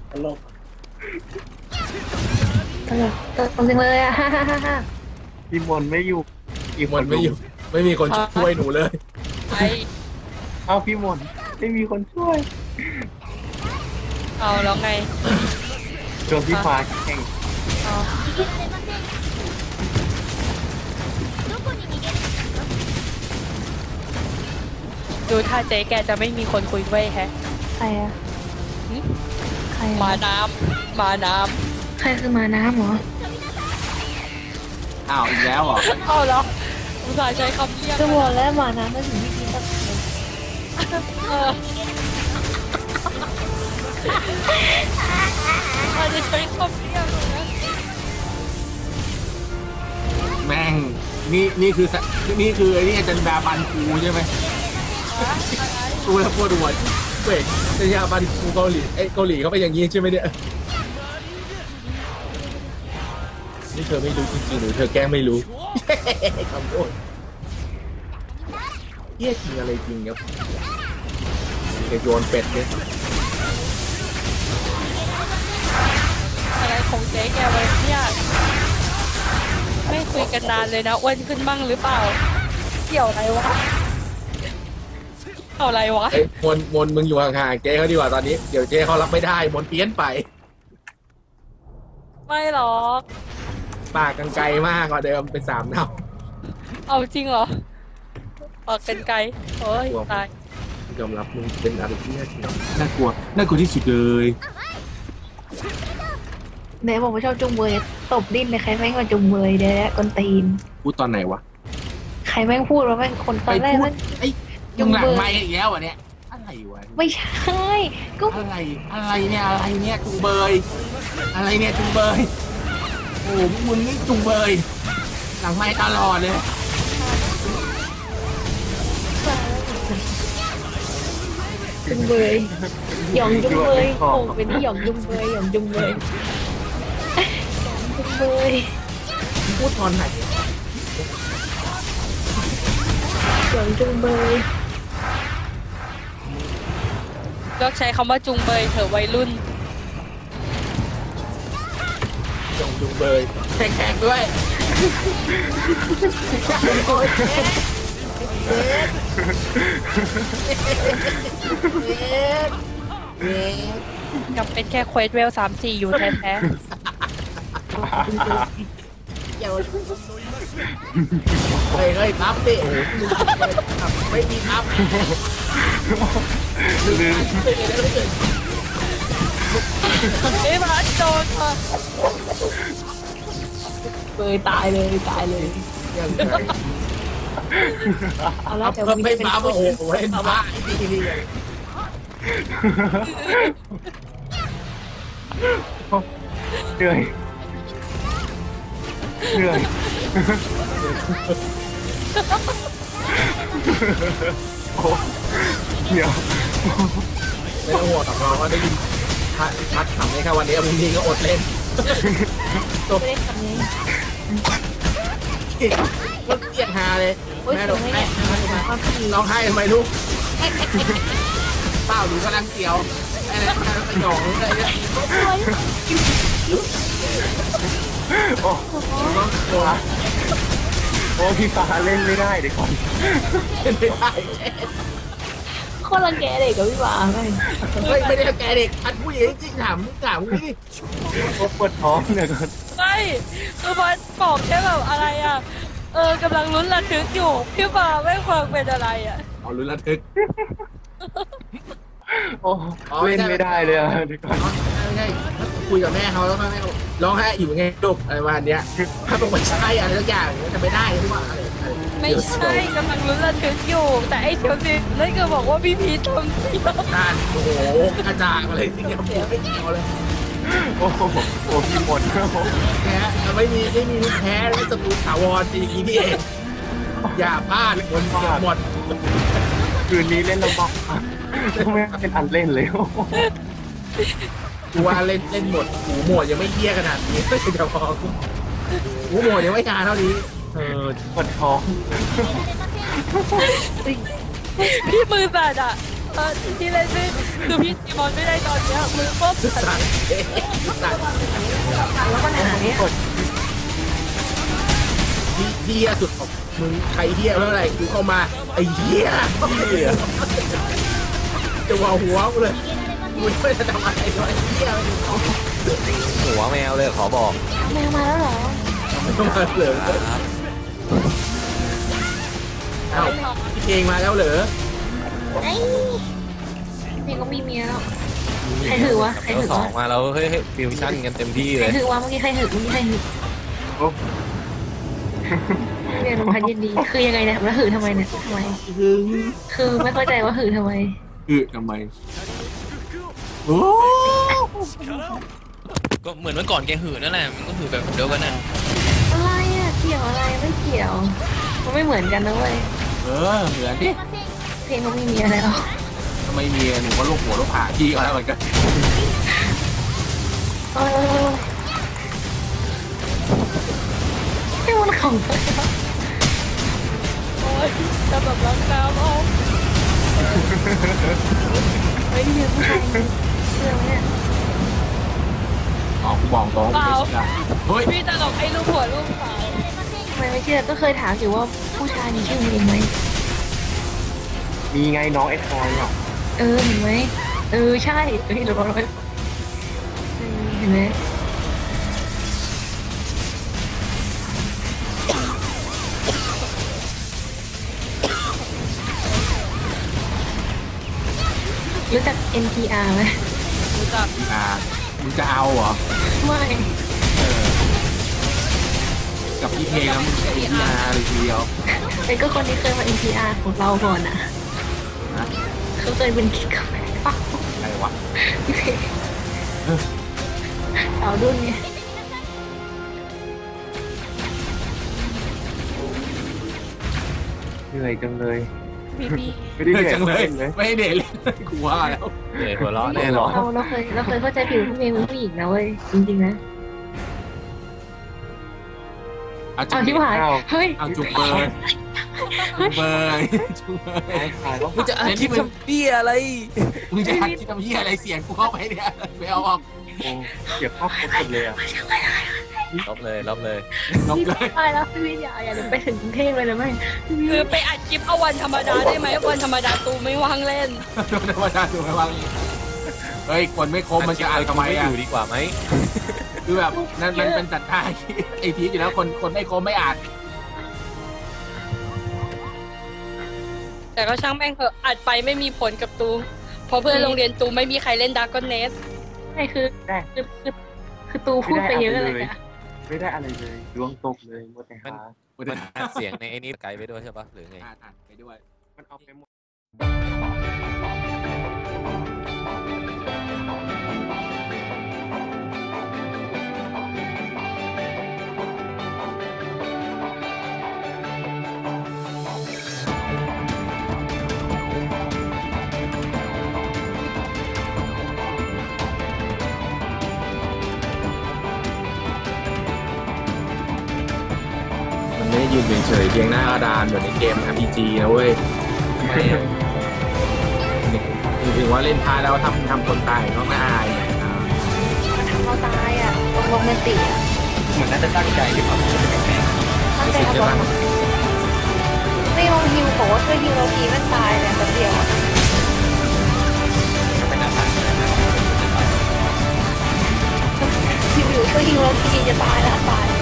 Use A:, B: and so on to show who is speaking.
A: ตลก
B: ตลกตลกจริงเลยอะฮ่าฮ่าฮ่าฮ่า
A: พี่มนไม่อยู่อีกค
C: มัน
A: น
C: ไม่อยู่ไม่มีคนช่วยหนูเลย
D: ไอ
A: เอ้าพี่มนไม่มีคนช่วย
D: เอาแล้วไง
A: โดนพี่ฟ้าแข่ง
D: เอาดูถ้าเจ๊แกจะไม่มีคนคุยด้วยแฮะ
B: ใครอะ
D: หึ
B: ใคร
D: มา
B: อะ
D: น้ำมาน้
B: ใครคือมาน้ำเหรอ
C: อ้าวอีกแล้วเหรอ
D: ำเอาแล้วอุตส่าห์ใช้คำเรียก
B: จะบอกแล้วมาน้ำไม่ถึงที่ดีสักคน
D: เอออาจจะใช้คำเรียกเลยนะ
C: แม่งนี่คือไอ้นี่อาจารย์ดาบันคูใช่ไหมกูแล้วปวดหัวเว้ยอาจารย์ดาบันคูเกาหลีเกาหลีเขาเป็นอย่างนี้ใช่ไหมเนี่ยนี่เธอไม่รู้จริงๆหรือเธอแกล้งไม่รู้คำพูดเยี่ยจริงอะไรจริงครับเดี๋ยวโยนเป็ดเนี่ย
D: อะไรของเจ๊แกวะเนี่ยไม่คุยกันนานเลยนะอ้วนขึ้นบ้างหรือเปล่าเกี่ยวอะไรวะเอาอะไรวะ
C: เอ้ยมนมึงอยู่ห่างๆเจ๊เขาดีกว่าตอนนี้เดี๋ยวเจ๊เขารับไม่ได้มนเพี้ยนไป
D: ไม่หรอก
C: ปากกันไกลมากกว่าเดิมเป็น3 เท่า
D: เอาจริงเหรอออกกันไกลโอ้ยตาย
C: ยอมรับมึงเป็นอะไรที่น่ากลัวที่สุดเลย
B: เนยบอกว่าชอบจุงเบยตบดิ้นเลยใครแม่งมาจุงเบยเดี๋ยวกวนตีน
C: พูดตอนไหนวะ
B: ใครแม่งพูดว่าแม่งคนตอนแรกแม่ง
C: ไอ้ยุงหลังไม้อีกแล้วอ่ะเนี่ยอะไรวะ
B: ไม่ใช่ก็
C: อะไรเนี่ยจุงเบยอะไรเนี่ยจุงเบยโอ้มึงนี่จุงเบยหลังไม้ตลอดเลย
B: จุงเบยหยองจุงเบยโอ้เป็นที่หยองจุงเบยหยองจุงเบยจุงเบย
C: พูดตอนไหน
B: หยองจุงเบย
D: เลิกใช้คำว่าจุงเบยเถอะวัยรุ่น
C: จุงเบยแข่งด้วย
D: ยังเป็นแค่เควสเวล3-4อยู่แท้
C: เฮ้ยพับดิโอ้ไม่มีพับ
A: ลืม
D: ๆเอ้ยมาโดนค่ะ
B: เบยตายเลยเอาละแต่วันนี้
C: ไม่
B: เป็น
C: พับโอ้โหเล่นบ้านี่
A: เหนื่อยโอ้เดี๋ยว
C: ไม่ต้องห่วงหรอกน้องก็ได้ยินพัดทำให้ค่ะวันนี้พรุ่งนี้ก็อดเล่น
B: ไม่ได้ทำนี้
C: ก็เกลียดฮาเลย
B: โอ้ย
C: แม่
B: ส
C: ร้
B: ว
C: อง
B: ย
C: ไห้
B: เนี่ยความดี
C: ร้องไห้ทำไมลูกเปล่าหนูกำลังเสียวอะไรสยองอะไรเนี่ย
A: โอ้พี่ฟ้าเล่นไม่ได้เดี๋ยวก่อน
C: ไม่ได้
B: โคตรรังแกเด็กกับพี่วาแม่ง
C: เฮ้ยไม่ได้แกเด็กอันผู้หญิงจริงถามนี่
A: ปวดท้องเดี๋ยวก่อน
D: ไม่คือพอบอกแค่แบบอะไรอ่ะกำลังลุ้นระทึกอยู่พี่ฟ้าไม่ฟังเป็นอะไรอ่ะ
C: เอาลุ้นระทึก
A: โอ้เล่นไม่ได้เลยอะเดี๋ยวก่อน
C: ไม่ใช่คุยกับแม่เขาแล้วแม่ร้องไห้อยู่ไงลูกอะไรประมาณเนี้ยถ้าบอกว่าใช่อะไรสักอย่างจะไม่ได้หรือเปล่า
D: ไม่ใช่กำลังลุ้นระทึกอยู่ แต่ไอ้เดี๋ยวสินั่นคือบอกว่าพี่พีททำเสีย
C: การโอ้โหกระจางอะไรที่ยังไม่เกี่ยวเลย
A: โอ้พี่มน
C: แพ้ไม่มีแพ้แล้วศัตรูถาวรจริงนี่เองอย่าพลาดคนเสียหมด
A: คืนนี้เล่นระบบไม่เป็นอันเล่นเลย
C: กูว่าเล่นหมดหูหมวดยังไม่เยี่ยขนาดนี้จะพอหูหมวดยังไม่งานเท่านี้
A: ปวดท้อง
D: พี่มือสั่นอ่ะที่เล่นนี่คือพี่ตีมอนไม่ได้ตอนเนี้ยมือปุ๊บ
C: สัตว์สัตว์
B: แล้วปัญหาเนี้ย
C: เฮียสุดของมึงใครเฮียเท่าไหร่กูเข้ามาไอ้เฮียจะว่าหัวกูเลยกูไม่ได้ทำอะไรเลยเฮีย
E: หัวแมวเลยขอบอก
B: แมวมาแล้วเหรอ
C: เข้ามาเหรอ
E: ครับ
C: เอ้าพี่เพลงมาแล้วเหรอ
B: ไอ้เพลงก็มีเมียแล้วใครถือวะใคร
E: แล้ว
B: ถือ
E: สอ
B: วะ
E: งมาแล้วเฮ้ยฟิวชั่นกันเต็มที่
B: ใค
E: เล
B: ร
E: ย
B: ถือวะเมื่อกี้ใครถือเมื่อกี้ใครถือ
A: โอ้
B: เรียนลงพันยินดีคือยังไงเนี่ยแล้วหือทำไมเนี่ยทำไม
C: ถึง
B: คือไม่เข้าใจว่าหือทำไม
C: คือทำไมโอ้
E: ก็เหมือนเมื่อก่อนแกหือนั่นแหละมันก็หือแบบเดียวกันน่ะ
B: อะไรอ่ะเกี่ยวอะไรไม่เกี่ยวมันไม่เหมือนกันนะเว้ย
C: เหมือนที่
B: เพลงเขามีเมียแล้ว
C: ทำไมเมียหนูก็ลูกหัวลูกผาพี่ก็แล้วเหมือนกัน
B: เออให้มันของไป
D: โอ๊ยจะแบบรักน้ำเอา
B: เฮ้ยเนี่ยผู้ชายเชื่อไหมเนี่ย
C: อ๋อกูบอกตรงไม่เชื่อเฮ้ย
D: พี่ตลกไอ้ลูกหัวลูกขาว
B: ทำไมไม่เชื่อก็เคยถามอยู่ว่าผู้ชายมีชื่อเพลงไหม
A: มีไงน้องไอ้ทอยอ่ะ
B: เห็นไหมใช่เฮ้ยเราเห็นไหมรู้จัก NTR ไหม
D: รู้จัก
C: มึงจะเอาเหรอ
B: ไม่
C: กับพี่เพลงแล้วมึงจะไอ้พี่อาร์เลยทีเดียว
B: เป็นก็คนที่เคยมา NTR ของเราก่อนอ่ะ
C: นะ
B: เขาเคยเป็นกิ๊กกับแม่ป้า
C: อะไรวะ
B: พี่เพสาวรุ่นไง
A: เหนื่อยจังเลย
D: พี่พี่
A: ไม่ได้เหนื่อย
C: จังเลย
A: เลย
C: ไม่ได้เด็ดเลยกูว่าแล้ว
E: เหนื่อยหัวเราะแน่นอน
B: เราเคยเข้าใจผิวพี่เมย์เป็นผู้หญิงนะเว้ยจริงๆนะ
C: เอาจุ
B: อ้าว
C: บ
B: ที่ผ่านเฮ้ย
C: เอาจุบเบยจุบเบยจุบเบย
A: น้องชายก็
E: มึงจะอาชีพทำเบี้ยอะไร
C: มึงจะหัดคิดทำเหี้ยอะไรเสียงกูเข้าไปเนี่ยไม่เอาออก
A: โอ้เก็บภาพครบหมดเลยอ่ะ
E: ลบเลยลบเลย
C: ลบ
B: พี่
C: เลย
B: ตายแล้วพี่อย่าไปถึงกรุงเทพเลยนะไม่
D: คือไปอัดคลิปเอาวันธรรมดาได้ไหมวันธรรมดาตูไม่ว่างเล่น
C: โดนธรรมดาถูกไหมวางเฮ้ยคนไม่ครบมันจะอ่านทำไม
E: ไม่
C: อ่ะ
E: อยู่ดีกว่าไหม
C: คือแบบนั่นมันเป็นสัตว์ตายไอพีอยู่แล้วคนไม่ครบไม่อ่าน
D: แต่ก็ช่างแม่งเถอะอัดไปไม่มีผลกับตูเพราะเพื่อนโรงเรียนตูไม่มีใครเล่นดาร์กอนเนส
B: ใช่คือตูพูดไปเยอะเลยอะ
A: ไม่ได้อะไรเลยดวงตกเลยหมดแต่หา
E: มันอัดเสียงในไอ้นี้ไกลไปด้วยใช่ปะหรือไง
C: อ่านไปด้วย
A: มันเอาไปหมด
C: มันไม่ได้ยืนเฉยๆเพียงหน้ากระดานเหมือนในเกม RPG นะเว้ยถึงว่าเล่นพาแล้วทำคนตายก็ไม่อายเนี่ย
B: มันทำเราตายอ่ะโรแมนติกอ่ะ
A: เหมือนน่าจะตั้งใจหรือเปล่า
B: ตั้งใจ
C: รู้สึก
B: เอา
C: ใช่
B: บอ
C: ปะ
B: ลไม่ลองฮิวบอกว่าช่วยฮิวเราทีแม่งตายเลยแป๊บเดียวอะ
E: เป็นอาหาร
B: ฮิวอยู่ช่วยฮิวเราทีจะตายแล้วตาย